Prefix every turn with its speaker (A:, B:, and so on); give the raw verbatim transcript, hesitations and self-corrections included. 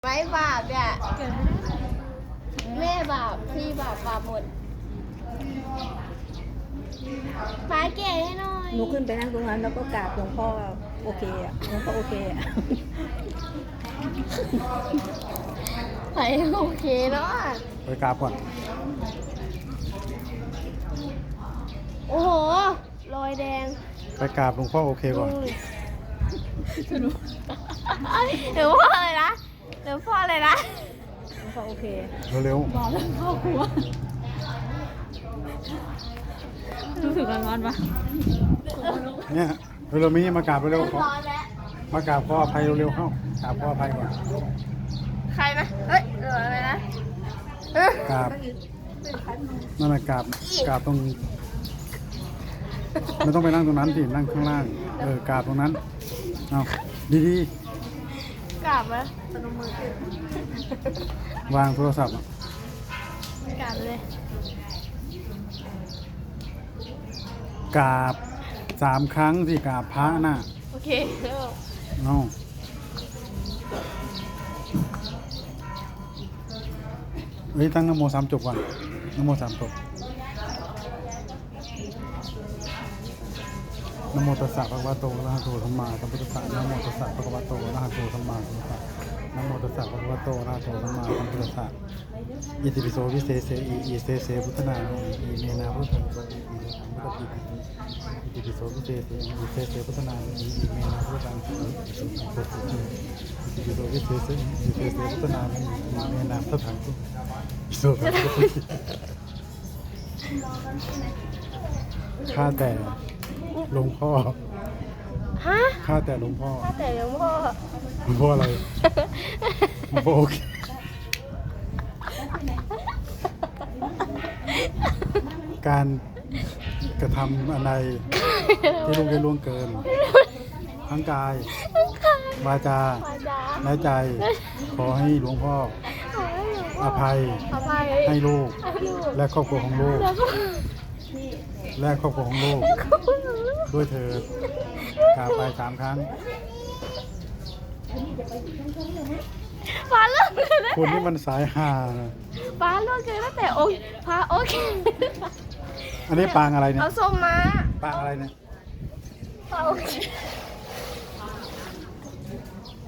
A: ไม่บาปเนี่ยแม่บาปพี่บาปบาปหมดป้าแก่ให้หน่อย
B: หนูขึ้นไปนั่งตรงนั้นแล้วก็กราบหลวงพ่อโอเคอ่ะหลวงพ่อโอเคอ่ะ
A: ไปโอเคเนาะ
C: ไปกราบก่อน
A: โอ้โหรอยแดง
C: ไปกราบหลวงพ่อโอเคก่อน
A: หรือพ่ออะไรนะหรือพ่ออะไรนะ
B: หลวงพ่อโอเค
C: เร็ว
B: บอกเรื่องครอบครัวรู้สึกร้อนๆปะ
C: ๆเนี่ยเร็วๆมีมากราบเร็วๆขอ
A: ร้อนแล้ว
C: มากราบขออภัยเร็วๆเข้ากราบขออภัยก่อน
A: ใครนะเฮ้ยเหลืออะไรนะเออก
C: ราบนั่นแหละกราบกราบตรงไม่ต้องไปนั่งตรงนั้นสินั่งข้างล่างเออกราบตรงนั้นเอาดี
A: กลับไหมพนมมือขึ้น
C: ๆวางโทรศัพท์อะ
A: กลับเลย
C: กราบสามครั้งสิกราบพระน่ะ
A: โอเคเริ่ม
C: เอาเฮ้ยตั้งนะโมสามจบก่อนนะโมสามจบนะโมตัสสะภะคะวะโตอะระหะโตสัมมาสัมพุทธัสสะนะโมตัสสะภะคะวะโตอะระหะโตสัมมาสัมพุทธัสสะนะโมตัสสะภะคะวะโตอะระหะโตสัมมาสัมพุทธัสสะอิติปิโสวิเศษเสอีอีเสเสพุทธนาโนอีเมนาพุทธังสวะอีอีโลกังพุทธปิอิติปิโสวิเศษเสอีอีเสเสพุทธนาโนอีอีเมนาพุทธังสวะอีสุขังโคตุจิอิติปิโสวิเศษเสอีอีเสเสพุทธนาโนอีอีเมนาพุทธังอิสุขังโคตุจิข้าแต่หลวงพ่อ
A: ฮะ
C: ข้าแต่หลวงพ่อ
A: ถ้าแต่หลวงพ่อ
C: หลวงพ่ออะไรหลวงพ่อโอเคการกระทำอะไรที่ลุงได้ล่วงเกิน ทั้งกาย วาจา
A: พระจ๋า
C: และใจ ขอให้หลวงพ่อ
A: ขอให้หลวง
C: อ
A: พ่อ
C: ภัย
A: อภัย
C: ให้ลูก
A: ให้ลูก
C: และครอบครัวของลูก
A: แล้วก็
C: และครอบครัวของลูก
A: คุณหนู
C: ด้วยเถิดกล่าวไปสามครั้ง
A: ฟ้าเลิกเลยนะ
C: คุณนี่มันสายหานะ
A: ฟ้าเลิกเลยตั้งแต่โอ้ยฟ้าโอเค
C: อันนี้ปางอะไรเนี่ย
A: เอาส้มมา
C: ปางอะไรเนี่ย
A: ฟ้าโอเค